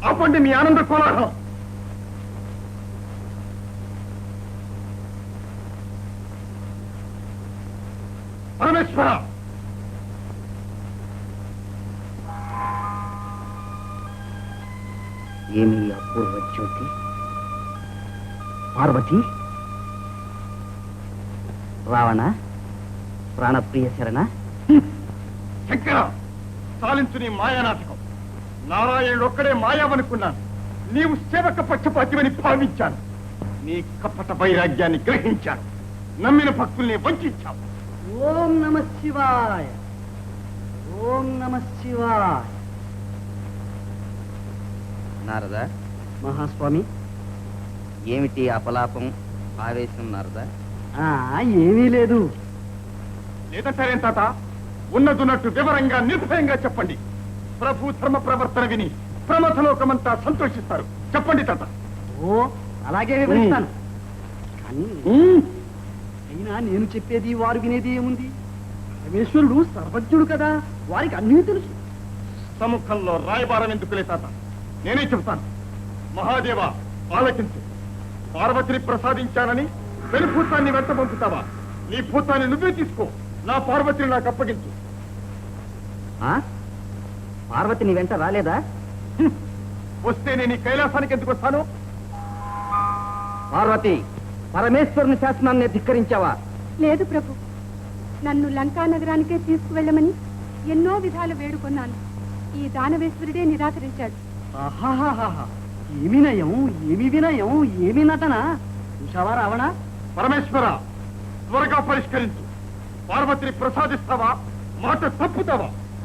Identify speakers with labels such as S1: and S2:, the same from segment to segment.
S1: ఆపండి మీ ఆనంద కోలాహలం. పరమేశ్వర,
S2: ఏమి అపూర్వ జ్యోతి? పార్వతి, రావణ, ప్రాణప్రియ శరణ.
S1: శంకర, సాలించు నీ మాయానాటకం. నారాయణుడు ఒక్కడే మాయావనుకున్నాను. నీవు సేవక పక్షపాతివని భావించాను. నీ కపట వైరాగ్యాన్ని గ్రహించాను. నమ్మిన భక్తుల్ని వంచావు.
S2: ఓం నమ శివాయ, ఓం నమ శివాయ. నారదా, మహాస్వామి, ఏమిటి అపలాపం, ఆవేశం నారదా? ఏమీ లేదు.
S1: లేదంటారేం తాత? ఉన్నదున్నట్టు వివరంగా నిర్భయంగా చెప్పండి. ప్రభు ధర్మ ప్రవర్తన విని ప్రమథలోకమంతా సంతోషిస్తారు. చెప్పండి తాత.
S2: ఓ, అలాగే వివరిస్తాను. కానీ అయినా నేను చెప్పేది వారు వినేది ఏముంది? పరమేశ్వరుడు సర్వజ్ఞుడు కదా, వారికి అన్నీ తెలుసు.
S1: సముఖంలో రాయబారం ఎందుకులే తాత, నేనే చెబుతాను. మహాదేవ, ఆలకించు. పార్వతిని ప్రసాదించానని వెనుభూతాన్ని వెంట పంపుతావా? నీ భూతాన్ని నువ్వే తీసుకో. నా పార్వతిని నాకు అప్పగించు.
S2: పార్వతిని వెంట రాలేదా?
S1: వస్తే నేను ఈ కైలాసానికి ఎందుకు వస్తాను?
S2: పార్వతి, పరమేశ్వరుని శాసనాన్ని ధిక్కరించావా?
S3: లేదు ప్రభు, నన్ను లంకా నగరానికే తీసుకువెళ్ళమని ఎన్నో విధాలు వేడుకొన్నాను. ఈ దానవేశ్వరుడే నిరాకరించాడు.
S2: ఏమి నయం, ఏమి వినయం, ఏమి నటన! చూశావా రావణ?
S1: పరమేశ్వర, త్వరగా పరిష్కరించు. పార్వతిని ప్రసాదిస్తావా, మాట తప్పుతావా?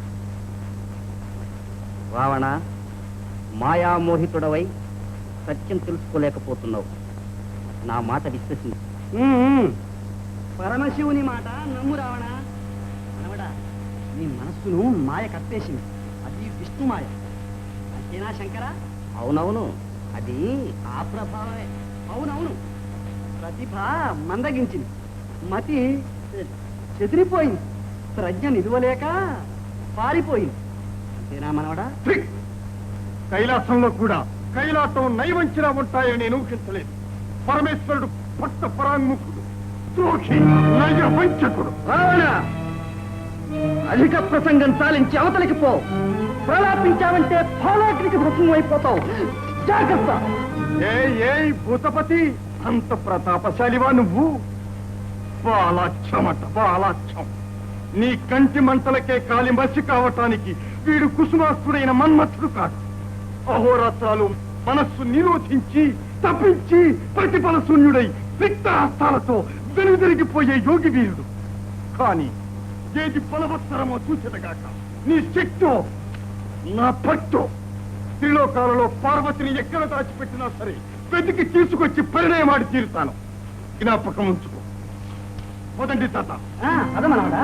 S2: రావణ, మాయామోహితుడవై సత్యం తెలుసుకోలేకపోతున్నావు. నా మాట విశ్వసించు. పరమశివుని మాట నమ్ము రావణ. అనవడా, నీ మనస్సును మాయ కప్పేసింది. అది విష్ణు మాయ. అంతేనా శంకర? అవునవును, అది ఆ ప్రభావమే. అవునవును, ప్రతిభ మందగించింది, మతి చెదిరిపోయింది, ప్రజ్ఞ నిలువలేక పారిపోయింది. అంతేనా మనవడా?
S1: కైలాసంలో కూడా కైలాసం నైవంచినా ఉంటాయని నేను ఊహించలేదు. పరమేశ్వరుడు భక్త పరాంగుఖుడు, ద్రోహి, నయవంచకుడు.
S2: రావణ, అధిక ప్రసంగం చాలించి అవతలికి పో. ప్రలాపించావంటే ఫాలాగ్నికి భస్మం అయిపోతావు. జాగ్రత్త.
S1: ఏ భూతపతి, అంత ప్రతాపశాలివా నువ్వు? బాలాక్షమట, బాలాక్షం. నీ కంటి మంటలకే కాలి మసి కావటానికి వీడు కుసుమాస్తుడైన మన్మథుడు కాదు. అహోరాత్రాలు మనస్సు నిరోధించి తప్పించి ప్రతిఫల శూన్యుడై రిక్తహస్తాలతో వెనుదిరిగిపోయే యోగి వీరుడు. కాని ఏది బలవత్తరమో చూచెదగాక, నీ శక్తో నా భక్తో త్రిలోకాలలో పార్వతిని ఎక్కడ దాచిపెట్టినా సరే వెతికి తీసుకొచ్చి పరిణయమాడి తీరుతాను. జ్ఞాపకం ఉంచుకో. మొదటి తాత.
S2: అదమనవడా?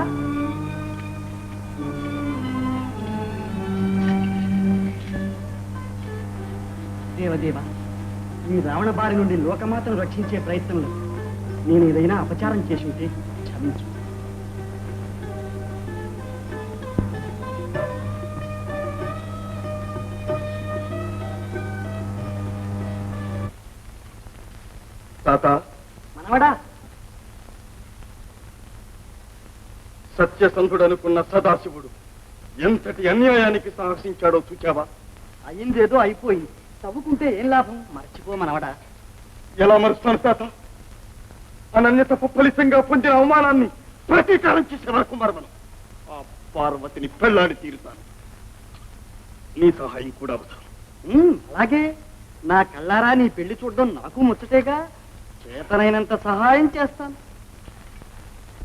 S2: దేవదేవ, ఈ రావణ బారి నుండి లోకమాతను రక్షించే ప్రయత్నంలో నేను ఏదైనా అపచారం చేసి ఉంటే క్షమించు.
S1: తాత,
S2: మనవడా,
S1: సత్యసంధుడు అనుకున్న సదాశివుడు ఎంతటి అన్యాయానికి సాహసించాడో చూచావా?
S2: అయిందేదో అయిపోయింది. తవ్వుకుంటే ఏం లాభం? మర్చిపో మనవడా.
S1: ఎలా మరుస్తాను తాత? అనన్యత ఫలితంగా పొందిన అవమానాన్ని ప్రతీకారం చేసే వరకు మరవను. ఆ పార్వతిని పెళ్లాడి తీరుతాను. నీ సహాయం కూడా అవసరం.
S2: అలాగే, నా కళ్ళారా నీ పెళ్లి చూడడం నాకు ముచ్చటేగా. చేతనైనంత సహాయం చేస్తాను.